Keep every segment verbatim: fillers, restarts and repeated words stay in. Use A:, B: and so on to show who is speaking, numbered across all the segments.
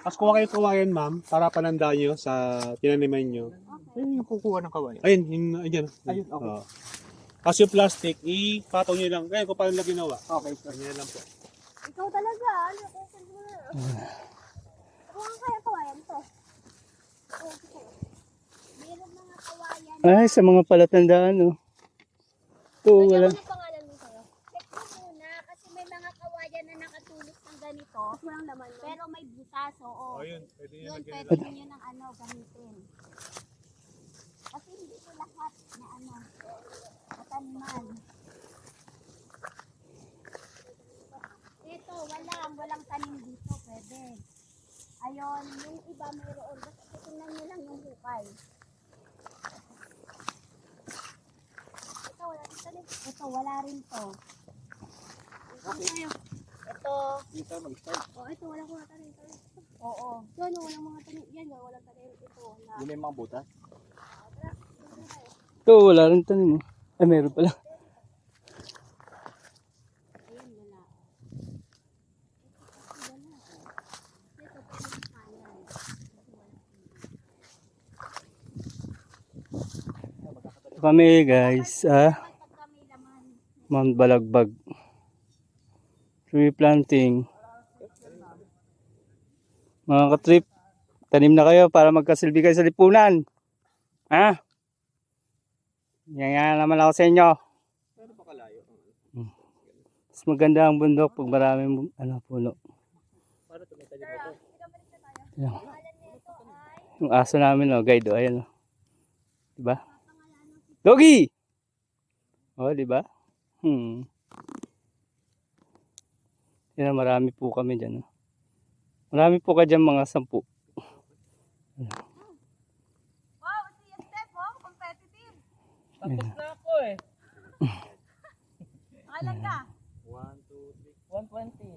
A: Tapos kuha kayo kawayan, ma'am, para pananda nyo sa tinaniman nyo.
B: Ayun yung kukuha ng kawayan.
A: Ayun, yun, ayun.
B: Ayun, okay.
A: Oo. Tapos yung plastic, ipataw nyo lang. Kaya kung paano lang ginawa.
B: Okay, sir.
A: Ganyan lang po.
C: Ikaw talaga, ano ko Ako ang kaya kawayan to. Okay. Meron mga kawayan.
D: Ay, sa mga palatandaan, oh. Ito, wala.
C: Ano pangalan mo sa'yo? Check mo muna kasi may mga kawayan na nakatulog ng ganito. Walang laman. Pero may butas, oo.
A: Oh, yun. Pwede nyo
C: Yun,
A: lagyan
C: pwede
A: nila.
C: nyo ng ano, gamitin. Kasi hindi ko lahat na ano, mataniman. Ito, walang, walang tanim dito, pwede. Ayon, yung iba mayroon. Basta tingnan nyo lang yung hukay. Ito, wala rin tanim. Ito, wala rin to. Okay. Ito.
B: Dito mag-start.
C: Oh, ito, wala ko na tanim. tanim. Oo. Yan, oh, walang mga tanim. Yan, oh, walang tanim. Ito, wala.
B: Yun yung mga butas.
D: Ito, wala rin tanim, oh. Ay, meron pala.
C: Ayan, wala. Ito, wala. Ito, pwede kanan.
D: Ito kami, guys, ah,
C: Pagka may laman.
D: Mount Balagbag. Tree planting. Mga katrip, tanim na kayo para magkasilbi kayo sa lipunan. Ha? Yan nga naman ako sa inyo.
B: Pero baka layo.
D: Mas maganda ang bundok pag maraming ano, puno.
B: Para tumita din ito.
D: Yan. Yung aso namin, oh, guide, oh, ayan, oh. Diba? Doggy! Oh, diba? Hmm. Yan, marami po kami dyan, oh. Marami po ka dyan, mga sampu.
C: Wow, si Steph, oh, competitive.
B: Tapos na ako eh.
C: Kailan ka?
B: one, two, three. one twenty.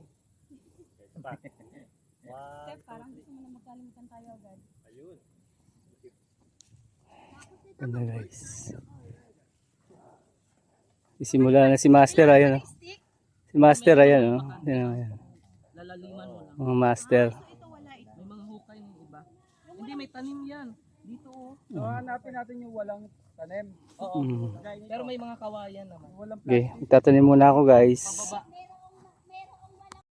C: Steph, parang gusto mo na magkalimutan tayo agad.
B: Ayun.
D: Ganda, guys. Isimula na si Master, ayan, oh. Si Master, ayan, oh. Ayan, ayan.
B: Lalaliman mo lang.
D: Mga Master.
C: Ito, wala ito.
B: May mga hukay ng iba. Hindi, may tanim yan. Dito oh. So, hanapin natin yung walang tanim. Oo.
D: Mm.
B: Pero may mga kawayan naman. Walang
D: Okay, itatanim muna ako, guys.
B: pababa.